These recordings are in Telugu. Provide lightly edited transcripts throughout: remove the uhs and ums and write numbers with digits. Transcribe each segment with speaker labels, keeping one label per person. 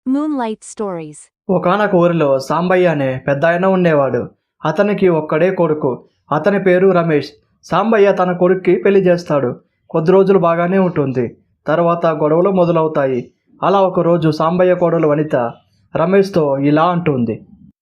Speaker 1: Moonlight Stories.
Speaker 2: ఒకానొక ఊరిలో సాంబయ్య అనే పెద్దాయన ఉండేవాడు. అతనికి ఒక్కడే కొడుకు. అతని పేరు రమేష్. సాంబయ్య తన కొడుక్కి పెళ్లి చేస్తాడు. కొద్ది రోజులు బాగానే ఉంటుంది. తర్వాత గొడవలు మొదలవుతాయి. అలా ఒకరోజు సాంబయ్య కోడలు వనిత రమేష్తో ఇలా అంటుంది.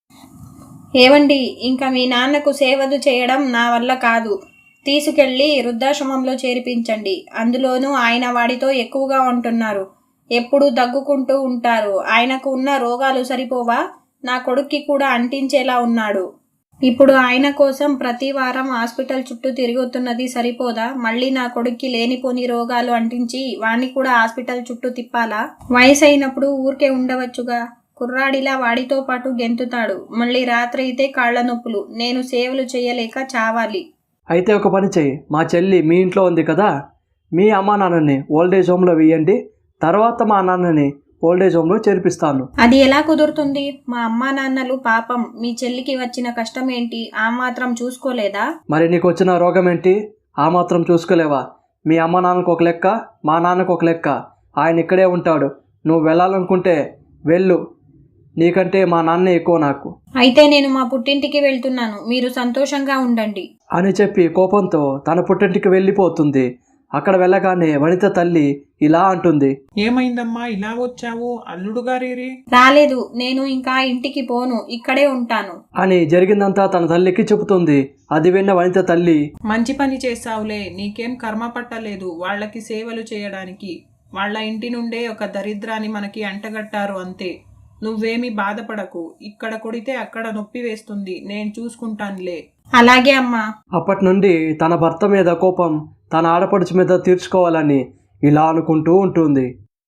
Speaker 3: ఏవండి, ఇంకా మీ నాన్నకు సేవలు చేయడం నా వల్ల కాదు. తీసుకెళ్ళి వృద్ధాశ్రమంలో చేర్పించండి. అందులోనూ ఆయన వాడితో ఎక్కువగా ఉంటున్నారు. ఎప్పుడూ దగ్గుకుంటూ ఉంటారు. ఆయనకు ఉన్న రోగాలు సరిపోవా? నా కొడుక్కి కూడా అంటించేలా ఉన్నాడు. ఇప్పుడు ఆయన కోసం ప్రతి వారం హాస్పిటల్ చుట్టూ తిరుగుతున్నది సరిపోదా? మళ్ళీ నా కొడుక్కి లేనిపోని రోగాలు అంటించి వాణ్ణి కూడా హాస్పిటల్ చుట్టూ తిప్పాలా? వయసు అయినప్పుడు ఊరికే ఉండవచ్చుగా. కుర్రాడిలా వాడితో పాటు గెంతుతాడు. మళ్ళీ రాత్రి అయితే కాళ్ల నొప్పులు. నేను సేవలు చేయలేక చావాలి.
Speaker 2: అయితే ఒక పని చెయ్యి. మా చెల్లి మీ ఇంట్లో ఉంది కదా, మీ అమ్మా నాన్నని ఓల్డేజ్ హోమ్లో వేయండి. తర్వాత మా నాన్నని ఓల్డేజ్ హోమ్లో చేర్పిస్తాను.
Speaker 3: అది ఎలా కుదురుతుంది? మా అమ్మా నాన్నలు పాపం. మీ చెల్లికి వచ్చిన కష్టం ఏంటి? ఆ మాత్రం చూసుకోలేదా?
Speaker 2: మరి నీకు వచ్చిన రోగం ఏంటి? ఆ మాత్రం చూసుకోలేవా? మీ అమ్మ నాన్నకు ఒక లెక్క, మా నాన్నకు ఒక లెక్క. ఆయన ఇక్కడే ఉంటాడు. నువ్వు వెళ్ళాలనుకుంటే వెళ్ళు. నీకంటే మా నాన్నే ఎక్కువ నాకు.
Speaker 3: అయితే నేను మా పుట్టింటికి వెళ్తున్నాను. మీరు సంతోషంగా ఉండండి
Speaker 2: అని చెప్పి కోపంతో తన పుట్టింటికి వెళ్ళిపోతుంది. అక్కడ వెళ్ళగానే వనిత తల్లి ఇలా అంటుంది.
Speaker 4: ఏమైందమ్మా, ఇలా వచ్చావు? అల్లుడు గారేరి?
Speaker 3: రాలేదు. నేను ఇంకా ఇంటికి పోను, ఇక్కడే ఉంటాను
Speaker 2: అని జరిగిందంతా తన తల్లికి చెబుతుంది. అది విన్న వనిత తల్లి,
Speaker 4: మంచి పని చేశావులే. నీకేం కర్మ పట్టలేదు వాళ్ళకి సేవలు చేయడానికి. వాళ్ళ ఇంటి నుండే ఒక దరిద్రాన్ని మనకి అంటగట్టారు అంతే. నువ్వేమీ బాధపడకు. ఇక్కడ కొడితే అక్కడ నొప్పి వేస్తుంది. నేను చూసుకుంటానులే.
Speaker 3: అలాగే అమ్మా.
Speaker 2: అప్పటి నుండి తన భర్త మీద కోపం తన ఆడపడుచు మీద తీర్చుకోవాలని ఇలా అనుకుంటూ ఉంటుంది.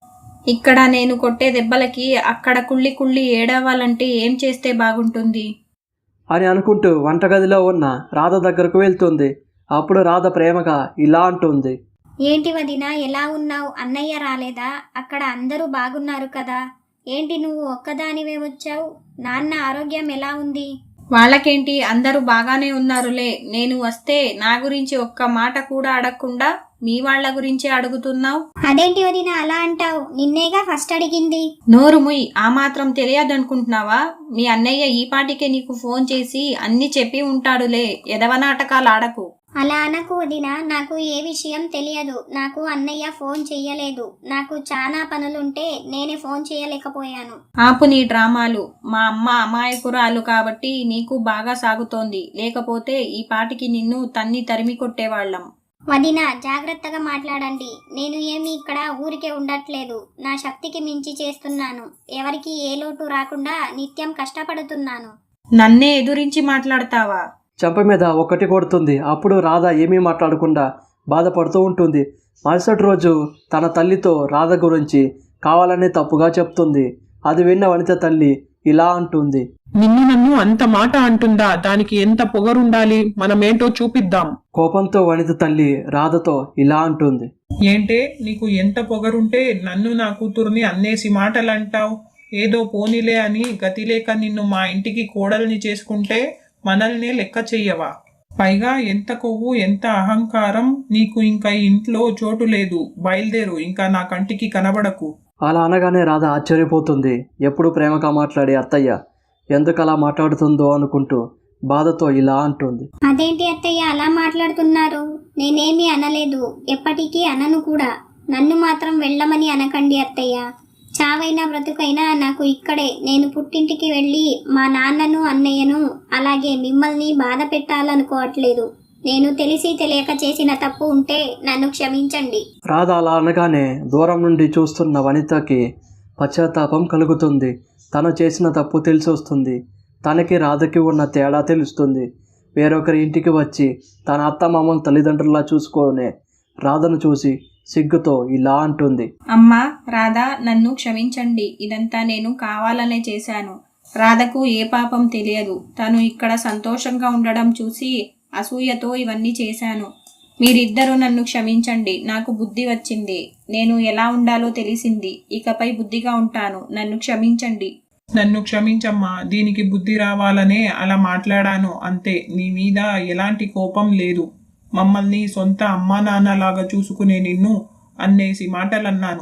Speaker 3: ఇక్కడ నేను కొట్టే దెబ్బలకి అక్కడ కుళ్ళి కుళ్ళి ఏడవాలంటే ఏం చేస్తే బాగుంటుంది
Speaker 2: అని అనుకుంటూ వంటగదిలో ఉన్న రాధ దగ్గరకు వెళ్తుంది. అప్పుడు రాధ ప్రేమగా ఇలా అంటుంది.
Speaker 5: ఏంటి వదినా, ఎలా ఉన్నావు? అన్నయ్య రాలేదా? అక్కడ అందరూ బాగున్నారు కదా. ఏంటి నువ్వు ఒక్కదానివే వచ్చావు? నాన్న ఆరోగ్యం ఎలా ఉంది?
Speaker 3: వాళ్ళకేంటి, అందరూ బాగానే ఉన్నారులే. నేను వస్తే నా గురించి ఒక్క మాట కూడా అడగకుండా మీ వాళ్ళ గురించి అడుగుతున్నావు.
Speaker 5: అదేంటి వదినా అలా అంటావు? నిన్నేగా ఫస్ట్ అడిగింది.
Speaker 3: నోరు ముయ్. ఆ మాత్రం తెలియదనుకుంటున్నావా? మీ అన్నయ్య ఈ పాటికే నీకు ఫోన్ చేసి అన్ని చెప్పి ఉంటాడులే. ఎదవ నాటకాలు ఆడకు.
Speaker 5: అలా అనకు వదినా, నాకు ఏ విషయం తెలియదు. నాకు అన్నయ్య ఫోన్ చెయ్యలేదు. నాకు చాలా పనులుంటే నేనే ఫోన్ చేయలేకపోయాను.
Speaker 3: ఆపు నీ డ్రామాలు. మా అమ్మ అమాయకురాలు కాబట్టి నీకు బాగా సాగుతోంది. లేకపోతే ఈ పాటికి నిన్ను తన్ని తరిమి కొట్టేవాళ్ళం.
Speaker 5: వదినా, జాగ్రత్తగా మాట్లాడండి. నేను ఏమీ ఇక్కడ ఊరికే ఉండట్లేదు. నా శక్తికి మించి చేస్తున్నాను. ఎవరికి ఏ లోటు రాకుండా నిత్యం కష్టపడుతున్నాను.
Speaker 3: నన్నే ఎదురించి మాట్లాడతావా?
Speaker 2: చెంప మీద ఒకటి కొడుతుంది. అప్పుడు రాధ ఏమీ మాట్లాడకుండా బాధపడుతూ ఉంటుంది. మరుసటి రోజు తన తల్లితో రాధ గురించి కావాలనే తప్పుగా చెప్తుంది. అది విన్న వనిత తల్లి ఇలా అంటుంది.
Speaker 4: నన్ను అంత మాట అంటుందా? దానికి ఎంత పొగరుండాలి? మనమేంటో చూపిద్దాం.
Speaker 2: కోపంతో వనిత తల్లి రాధతో ఇలా అంటుంది.
Speaker 4: ఏంటే, నీకు ఎంత పొగరుంటే నన్ను నా కూతుర్ని అన్నేసి మాటలంటావు? ఏదో పోనీలే అని గతిలేక నిన్ను మా ఇంటికి కోడల్ని చేసుకుంటే మనల్నే లెక్క చెయ్యవా? పైగా ఎంత కొవ్వు, ఎంత అహంకారం నీకు! ఇంకా ఇంట్లో చోటు లేదు. బయలుదేరు, ఇంకా నా కంటికి కనబడకు.
Speaker 2: అలా అనగానే రాధ ఆశ్చర్యపోతుంది. ఎప్పుడు ప్రేమగా మాట్లాడే అత్తయ్య ఎందుకు అలా మాట్లాడుతుందో అనుకుంటూ బాధతో ఇలా అంటుంది.
Speaker 5: అదేంటి అత్తయ్య అలా మాట్లాడుతున్నారు? నేనేమీ అనలేదు, ఎప్పటికీ అనను కూడా. నన్ను మాత్రం వెళ్ళమని అనకండి అత్తయ్య. చావైనా బ్రతుకైనా నాకు ఇక్కడే. నేను పుట్టింటికి వెళ్ళి మా నాన్నను, అన్నయ్యను, అలాగే మిమ్మల్ని బాధ పెట్టాలనుకోవట్లేదు. నేను తెలిసి తెలియక చేసిన తప్పు ఉంటే నన్ను క్షమించండి.
Speaker 2: రాధ అలా అనగానే దూరం నుండి చూస్తున్న వనితకి పశ్చాత్తాపం కలుగుతుంది. తను చేసిన తప్పు తెలిసి వస్తుంది. తనకి రాధకి ఉన్న తేడా తెలుస్తుంది. వేరొకరి ఇంటికి వచ్చి తన అత్తమామల తల్లిదండ్రులా చూసుకునే రాధను చూసి సిగ్గుతో ఇలా అంటుంది.
Speaker 3: అమ్మా, రాధా, నన్ను క్షమించండి. ఇదంతా నేను కావాలనే చేశాను. రాధకు ఏ పాపం తెలియదు. తను ఇక్కడ సంతోషంగా ఉండడం చూసి అసూయతో ఇవన్నీ చేశాను. మీరిద్దరూ నన్ను క్షమించండి. నాకు బుద్ధి వచ్చింది. నేను ఎలా ఉండాలో తెలిసింది. ఇకపై బుద్ధిగా ఉంటాను. నన్ను క్షమించండి.
Speaker 4: నన్ను క్షమించమ్మా. దీనికి బుద్ధి రావాలనే అలా మాట్లాడాను అంతే. నీ మీద ఎలాంటి కోపం లేదు. మమ్మల్ని సొంత అమ్మా నాన్నలాగా చూసుకునే నిన్ను అన్నేసి మాటలన్నాను.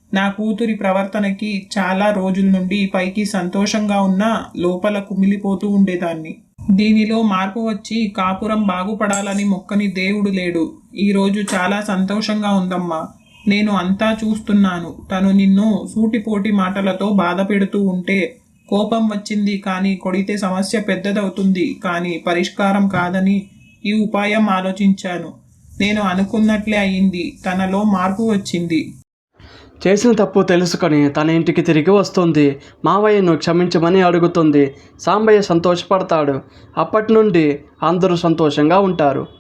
Speaker 4: నా కూతురి ప్రవర్తనకి చాలా రోజుల నుండి పైకి సంతోషంగా ఉన్నా లోపల కుమిలిపోతూ ఉండేదాన్ని. దీనిలో మార్పు వచ్చి కాపురం బాగుపడాలని మొక్కని దేవుడు లేడు. ఈరోజు చాలా సంతోషంగా ఉందమ్మా. నేను అంతా చూస్తున్నాను. తను నిన్ను సూటిపోటి మాటలతో బాధ పెడుతూ ఉంటే కోపం వచ్చింది, కానీ కొడితే సమస్య పెద్దదవుతుంది, కానీ పరిష్కారం కాదని ఈ ఉపాయం ఆలోచించాను. నేను అనుకున్నట్లే అయింది. తనలో మార్పు వచ్చింది.
Speaker 2: చేసిన తప్పు తెలుసుకొని తన ఇంటికి తిరిగి వస్తుంది. మావయ్యను క్షమించమని అడుగుతుంది. సాంబయ్య సంతోషపడతాడు. అప్పటి నుండి అందరూ సంతోషంగా ఉంటారు.